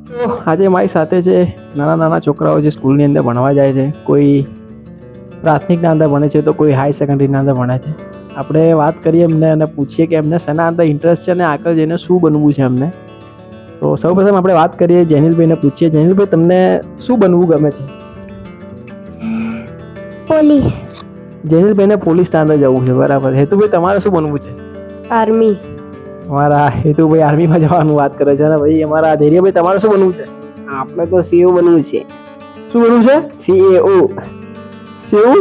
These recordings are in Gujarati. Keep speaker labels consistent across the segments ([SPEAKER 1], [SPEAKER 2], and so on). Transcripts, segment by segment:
[SPEAKER 1] તો આજે મારી સાથે છે નાના નાના છોકરાઓ જે સ્કૂલની અંદર ભણવા જાય છે. કોઈ પ્રાથમિકના અંદર ભણે છે તો કોઈ હાઈ સેકન્ડરીના અંદર ભણે છે. આપણે વાત કરીએ એમને અને પૂછીએ કે એમને શેના અંદર ઇન્ટરેસ્ટ છે અને આગળ જઈને શું બનવું છે એમને. તો સૌપ્રથમ આપણે વાત કરીએ જેનિલભાઈને પૂછીએ. જેનિલભાઈ, તમને શું બનવું ગમે છે?
[SPEAKER 2] પોલીસ.
[SPEAKER 1] જેનિલભાઈને પોલીસના અંદર જવું છે, બરાબર. હેતુભાઈ, તમારે શું બનવું છે?
[SPEAKER 2] આર્મી.
[SPEAKER 1] અમારા હેતુભાઈ આર્મીમાં જવાનું વાત કરે છે. અને ભાઈ અમારા ધૈર્યભાઈ, તમારે શું બનવું છે?
[SPEAKER 3] આપણે તો સીઓ બનવું છે.
[SPEAKER 1] શું બનવું છે?
[SPEAKER 3] સીએઓ.
[SPEAKER 1] સેવું?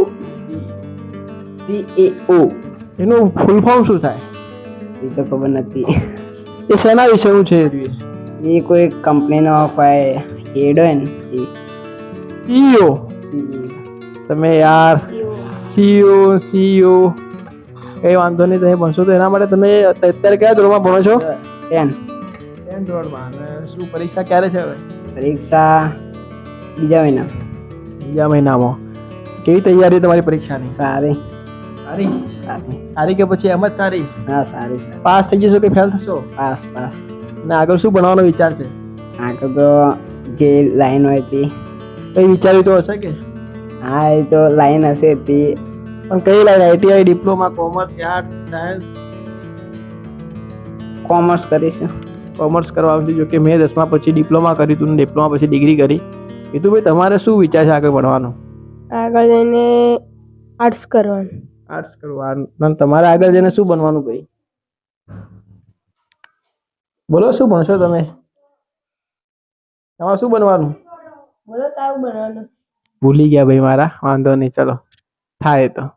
[SPEAKER 3] સીએઓ
[SPEAKER 1] એનું ફૂલ ફોર્મ શું થાય?
[SPEAKER 3] એ તો ખબર નથી.
[SPEAKER 1] એ શેના વિશેનું છે?
[SPEAKER 3] એ કોઈ કંપનીનો કોઈ હેડ હોય ને એ
[SPEAKER 1] સીઈઓ.
[SPEAKER 3] CEO.
[SPEAKER 1] તમે યાર સીઈઓ કઈ વાંધો નહીં, તમે ભણશો તો એના માટે. તમે અત્યારે કયા ધોરણમાં ભણો છો?
[SPEAKER 3] 10.
[SPEAKER 1] 10 ધોરણમાં. અને શું પરીક્ષા ક્યારે છે હવે?
[SPEAKER 3] પરીક્ષા બીજા મહિના.
[SPEAKER 1] બીજા મહિનામાં. કેવી તૈયારી તમારી પરીક્ષાની?
[SPEAKER 3] સારી
[SPEAKER 1] સારી.
[SPEAKER 3] સારી.
[SPEAKER 1] સારી કે પછી એમ જ સારી?
[SPEAKER 3] હા, સારી સારી.
[SPEAKER 1] પાસ થઈ જશો કે ફેલ થશો?
[SPEAKER 3] Pass pass.
[SPEAKER 1] અને આગળ શું ભણવાનો વિચાર છે?
[SPEAKER 3] આગળ તો જે લાઈન હોય તે.
[SPEAKER 1] કઈ વિચાર્યું તો હશે કે?
[SPEAKER 3] હા, એ તો લાઈન હશે તે.
[SPEAKER 1] પણ કઈ લાઈન? આઈટીઆઈ, ડિપ્લોમા, કોમર્સ કે આર્ટ્સ, સાયન્સ?
[SPEAKER 3] કોમર્સ કરીશું.
[SPEAKER 1] કોમર્સ કરવાનું છે. જો કે મેં 10મા પછી ડિપ્લોમા કર્યું હતું ને ડિપ્લોમા પછી ડિગ્રી કરી. એ તો ભાઈ તમારે શું વિચાર છે આગળ ભણવાનું?
[SPEAKER 2] આગળ જઈને આર્ટ્સ કરવાનું.
[SPEAKER 1] આર્ટ્સ કરવાનું. અને તમારે આગળ જઈને શું બનવાનું ભાઈ? બોલો, શું ભણશો તમે? તમારે શું બનવાનું?
[SPEAKER 2] બોલો, તારું બનવાનું.
[SPEAKER 1] ભૂલી ગયા ભાઈ મારા. વાંધો નહીં, ચલો થાય તો.